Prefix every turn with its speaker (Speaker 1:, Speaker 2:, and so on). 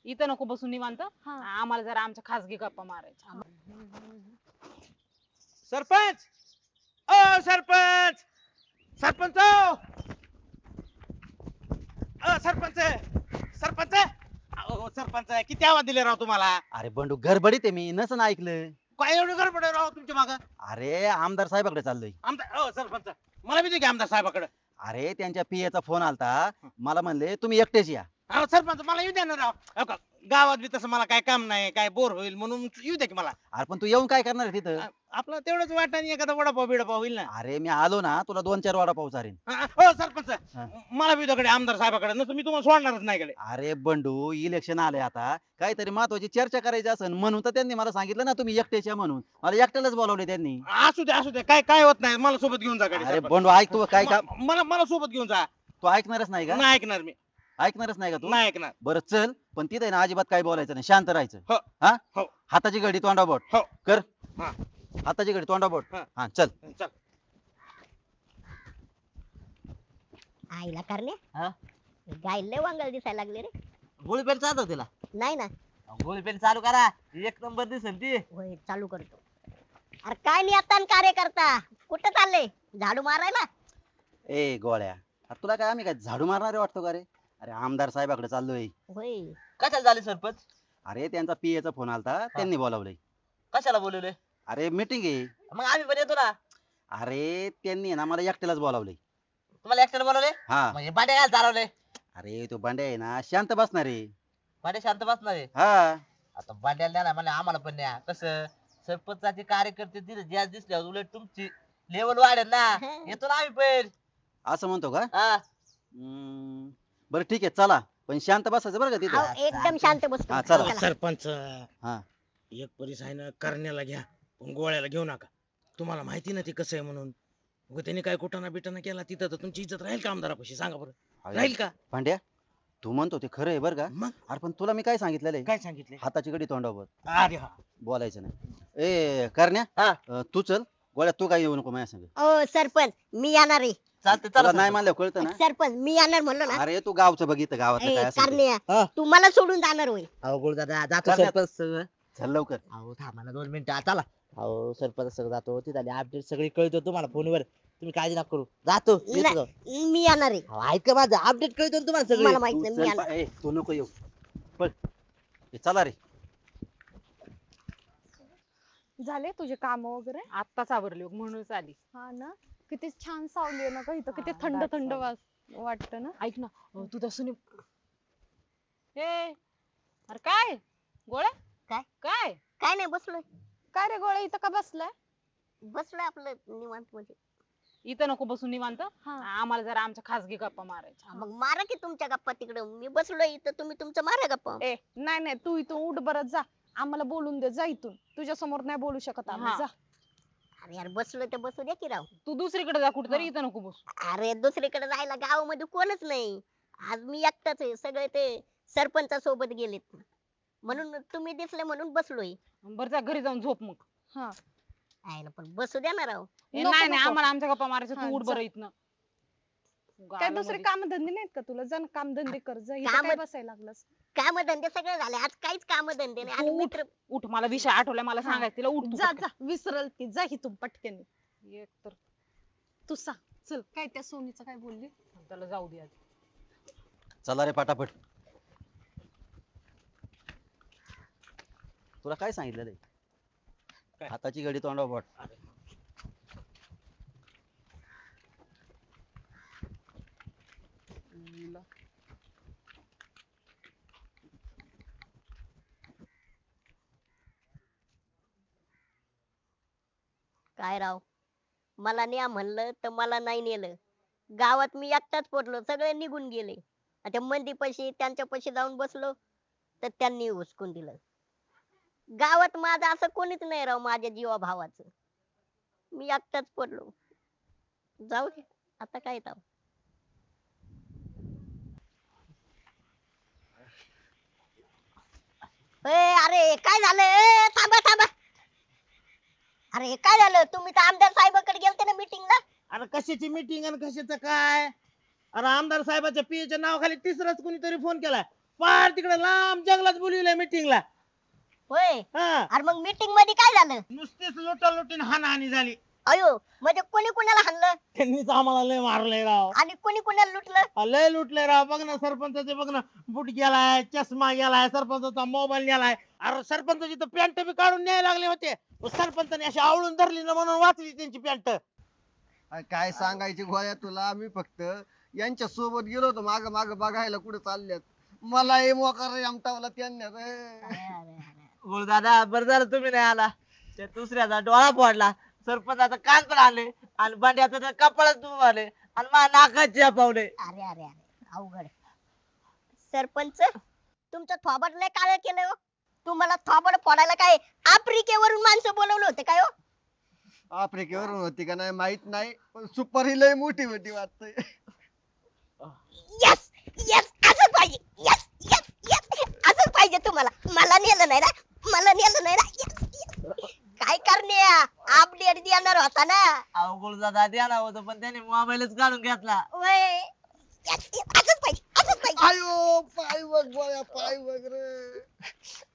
Speaker 1: इथं नको बसून निवांत
Speaker 2: हा.
Speaker 1: आम्हाला जरा आमच्या खासगी गप्पा मारायच्या.
Speaker 3: सरपंच ओ सरपंच सरपंच ओ सरपंच सरपंच अहो सरपंच किती आवाज दिले राव तुम्हाला
Speaker 4: अरे बंडू गडबडीत आहे मी नसन ऐकलं.
Speaker 3: काय एवढं गडबड आहे राव तुमच्या माग
Speaker 4: अरे आमदार साहेबाकडे चाललोय.
Speaker 3: आमदार ओ सरपंच मला बी दे की आमदार साहेबाकडे
Speaker 4: अरे त्यांच्या पीएचा फोन आलता. मला म्हणले तुम्ही एकटेच या.
Speaker 3: अहो सरपंच मला येऊ द्या ना राव हो का, गावात बी तसं मला काय काम नाही काय बोर होईल म्हणून येऊ द्या की मला
Speaker 4: अरे पण तू येऊन काय करणार आहे तिथं?
Speaker 3: आपलं तेवढंच वाटाने एखादा वडापाव बिडापाव होईल ना
Speaker 4: अरे मी आलो ना तुला 2-4 वडापाव चारेन.
Speaker 3: हो सरपंच
Speaker 4: हा.
Speaker 3: मला बी त्याकडे आमदार साहेबाकडे नसतं मी तुम्हाला सोडणारच नाही कडे
Speaker 4: अरे बंडू इलेक्शन आले आता काहीतरी महत्वाची चर्चा करायची असेल म्हणून तर त्यांनी मला सांगितलं ना तुम्ही एकटेच या म्हणून. मला एकट्यालाच बोलावले त्यांनी.
Speaker 3: असू दे काय काय होत नाही मला सोबत घेऊन जा कडे
Speaker 4: अरे
Speaker 3: सरपंच.
Speaker 4: बंडू ऐक तू काय का
Speaker 3: मला सोबत घेऊन जा
Speaker 4: तू ऐकणारच नाही का?
Speaker 3: नाही ऐकणार मी
Speaker 4: ऐकणारच नाही का तू?
Speaker 3: नाही ऐकणार
Speaker 4: बरं चल पण तिथे ना अजिबात काय बोलायचं नाही शांत राहायचं.
Speaker 3: हो.
Speaker 4: हा
Speaker 3: हो.
Speaker 4: हाताची घडी तोंडाबोट
Speaker 3: हो
Speaker 4: कर.
Speaker 3: हा.
Speaker 4: हाताची घडी तोंडाबोट.
Speaker 3: हा.
Speaker 4: हा चल.
Speaker 3: चल
Speaker 2: आईला करणे
Speaker 5: हा?
Speaker 2: गाय लय वांगल दिसायला लागले रे.
Speaker 5: गोळी पेन चालतो तिला
Speaker 2: नाही ना.
Speaker 5: गोळी पेन चालू करा एक नंबर दिसेल ती.
Speaker 2: होय चालू करतो. अरे काय नाही आता कार्यकर्ता कुठं चालले झाडू मारायला?
Speaker 4: ए गोळ्या अरे तुला काय आम्ही काय झाडू मारणारे वाटतो का रे? अरे आमदार साहेबाकडे चाललोय.
Speaker 2: होय
Speaker 5: कशाला झाली सरपंच?
Speaker 4: अरे त्यांचा पीएचा फोन आलता त्यांनी बोलावलंय.
Speaker 5: कशाला बोलवले?
Speaker 4: अरे मीटिंग आहे.
Speaker 5: मग आम्ही पण येतो ना.
Speaker 4: अरे त्यांनी ना मला एकट्यालाच बोलावलंय.
Speaker 5: तुम्हाला एकट्याला बोलवले
Speaker 4: हा
Speaker 5: म्हणजे बांड्या काय चालवले?
Speaker 4: अरे तो बांड्या आहे ना शांत बसणार आहे.
Speaker 5: बांड्या शांत बसणार आहे.
Speaker 4: हा
Speaker 5: आता बांड्याला द्या ना मला आम्हाला पण द्या. कसं सरपंचाचे कार्यकर्ते तिथे ज्या दिसल्यावर उलट तुमची लेवल वाढेल ना. येतो ना आम्ही पण.
Speaker 4: असं म्हणतो का?
Speaker 5: हा.
Speaker 4: बरं ठीक आहे चला पण शांत बसायचं बरं का तिथे.
Speaker 2: अहो, एकदम शांत बसतो.
Speaker 4: हा, चला.
Speaker 2: चला.
Speaker 3: सरपंच
Speaker 4: हा
Speaker 3: एक परीस आहे ना करण्याला घ्या पण गोळ्याला घेऊ नका तुम्हाला माहिती ना ते कसं आहे म्हणून उगा त्यांनी काय कुटाणा बिटाणा केला तिथं तर तुमची इज्जत राहील का आमदारापाशी सांगा बरं राहील का
Speaker 4: भांड्या तू म्हणतो ते खरं आहे बरं का?
Speaker 3: मग
Speaker 4: अरे पण तुला मी काय सांगितलेलं आहे?
Speaker 3: काय सांगितले
Speaker 4: हाताची घडी तोंडावर
Speaker 3: अरे हा
Speaker 4: बोलायचं नाही. ए करण्या
Speaker 5: हा.
Speaker 4: तू चल गोळ्या तू काय येऊ नको माझ्या संग.
Speaker 2: ओ सरपंच मी येणार आहे.
Speaker 5: चालते
Speaker 4: तुला
Speaker 5: चला
Speaker 4: नाही
Speaker 5: सरपंच.
Speaker 4: मानलं कळतं ना.
Speaker 2: सरपंच मी येणार म्हणलो ना.
Speaker 4: अरे तू गावचं बघितलं गावातलं काय असेल ते.
Speaker 5: हा.
Speaker 2: कारण्या तू मला सोडून जाणार होय.
Speaker 5: अहो गोळ दादा जातो
Speaker 4: करण्यात-
Speaker 5: सरपंच.
Speaker 4: चल लवकर.
Speaker 5: अहो थांबा ना 2 मिनिटं चला. अहो सरपंच सगळं जातो ती झाली अपडेट सगळी कळतो तुम्हाला फोनवर. तुम्ही काळजी नका करू जातो येतो जाऊ.
Speaker 2: मी येणार आहे.
Speaker 5: अहो, ऐका माझं अपडेट कळतो ना तुम्हाला सगळी.
Speaker 2: मला माहित
Speaker 4: तू
Speaker 2: नाही मी
Speaker 4: चल
Speaker 2: येणार.
Speaker 4: ए, तू नको येऊ पण चला रे.
Speaker 6: झाले तुझे काम वगैरे?
Speaker 1: आत्ताच आवरली बघ, म्हणूनच आली.
Speaker 6: हा ना. किती छान सावली आहे ना ग इथं. किती
Speaker 1: हा,
Speaker 6: थंड
Speaker 1: दाट
Speaker 6: थंड
Speaker 1: सावली.
Speaker 6: वाटतं ना.
Speaker 1: ऐक ना तू तर सुनी ए अरे काय गोळ्या
Speaker 2: काय?
Speaker 1: काय
Speaker 2: काय नाही बसलोय.
Speaker 6: काय रे गोळ्या इथं का बसलाय?
Speaker 2: बसलोय आपलं निवांत मध्ये.
Speaker 1: इथं नको बसून निवांत
Speaker 6: हा.
Speaker 1: आम्हाला जरा आमच्या खासगी गप्पा मारायच्या.
Speaker 2: मग मारा की तुमच्या गप्पा तिकडं. मी बसलोय इथं तुम्ही तुमचं मारा गप्पा.
Speaker 6: ए नाही नाही तू इथून उठ बरं जा. आम्हाला बोलून दे जा इथून. तुझ्या समोर नाही बोलू शकत आम्ही.
Speaker 1: हा.
Speaker 6: जा.
Speaker 2: अरे यार बसलोय तर बसू द्या की राव.
Speaker 1: तू दुसरीकडे जा कुठेतरी इथं नको बसू.
Speaker 2: अरे दुसरीकडे जायला गावामध्ये कोणच नाही. आज मी एकटाच आहे. सगळे ते सरपंचा सोबत गेलेत म्हणून तुम्ही दिसले म्हणून बसलोय.
Speaker 1: बरं जा घरी जाऊन झोप मग.
Speaker 6: हा.
Speaker 2: आयला पण बसू द्या ना राव.
Speaker 1: नाही नाही
Speaker 6: नको.
Speaker 1: आम्हाला आमच्या गप्पा मारायच्या
Speaker 6: हा,
Speaker 1: तू उठ
Speaker 6: जा.
Speaker 1: बरं इथनं.
Speaker 6: काय दुसरे
Speaker 1: गावामध्ये-
Speaker 6: काम धंदे नाहीत का तुला? जा ना काम धंदे कर जा. इथं
Speaker 2: कामं-
Speaker 6: काय बसायला लागलास?
Speaker 2: काम धंदे सगळे झाले. आज काहीच काम धंदे नाही. आणि
Speaker 1: तू
Speaker 2: मित्र
Speaker 1: उठ मला विषय आठवलाय मला
Speaker 6: हा.
Speaker 1: सांगायचं तिला उठ तू
Speaker 6: जा
Speaker 1: पटकन.
Speaker 6: जा विसरल ती. जा इथून पटकन.
Speaker 1: एक तर
Speaker 6: तू सांग चल काय त्या सोनीचं काय बोलली?
Speaker 1: त्याला जाऊ दे आधी.
Speaker 4: चला रे पटापट. तुला काय सांगितलेलं आहे?
Speaker 3: काय?
Speaker 4: हाताची घडी तोंडावर बोट.
Speaker 2: काय राव मला न्या म्हणलं तर मला नाही नेलं. गावात मी एकटाच पडलो. सगळे निघून गेले. आता मंदी पैसे त्यांच्या पैसे जाऊन बसलो तर त्यांनी हुसकून दिलं. गावात माझं असं कोणीच नाही राव माझ्या जीवा भावाचं. मी एकटाच पडलो. जाऊ दे आता काय राव. अरे काय झालं? थांबा थांबा. अरे काय झालं? तुम्ही तर आमदार साहेबाकडे गेलते ना मीटिंगला.
Speaker 3: अरे कशाची मीटिंग आणि कशाचं काय अरे आमदार साहेबाच्या पीएच्या नावाखाली तिसराच कोणीतरी फोन केलाय पार तिकडे लांब जंगलात बोलविलंय मीटिंगला.
Speaker 2: होय
Speaker 3: हा
Speaker 2: अरे मग मीटिंग मध्ये काय झालं?
Speaker 3: नुसतीच लुटालुटीन हाणाहाणी झाली.
Speaker 2: अयो म्हणजे कोणी कोणाला हाणलं
Speaker 3: त्यांनीच आम्हाला लय मारलंय राव.
Speaker 2: आणि कोणी कोणाला लुटलं?
Speaker 3: लय लुटलंय राव. बघ ना सरपंचाचे बघ ना बूट गेलाय, चष्मा गेलाय, सरपंचाचा मोबाईल गेलाय. अरे सरपंचाची तर पॅन्ट बी काढून न्यायला लागले होते. सरपंचाने अशी आवळून धरली ना म्हणून वाचली त्यांची पॅन्ट.
Speaker 7: काय सांगायची गोळ्या तुला, मी फक्त यांच्या सोबत गेलो होतो माग माग बघायला कुठे चालल्यात. मला हे मोकार आमटावला त्यांनी रे.
Speaker 5: दादा बरं झालं तुम्ही नाही आला. त्या दुसऱ्याचा डोळा फोडला, सरपंचाचा कान पण आले आणि बांड्याचं तर कपाळच आले आणि माझ्या नाकात पावले.
Speaker 2: अरे अरे अरे अवघड. सरपंच तुमचं थोबड लय काळ केलं हो. तुम्हाला थोबड फोडायला काय आफ्रिकेवरून माणसं बोलवलं होते काय हो?
Speaker 7: आफ्रिकेवरून होती का नाही माहित नाही, पण सुपर ही लय मोठी मोठी वाटतंय.
Speaker 2: यस यस असंच पाहिजे. यस यस यस असंच पाहिजे तुम्हाला. मला नेलं नाही ना, मला नेलं नाही ना. Yes, yes. काय करण्या अपडेट देणार होता ना.
Speaker 5: अवघड दादा द्यायला होतं पण त्याने मोबाईलच काढून घेतला.
Speaker 2: वय असंच पाहिजे असंच पाहिजे.
Speaker 7: आयो पाय बघ गोळ्या, पाय बघ रे.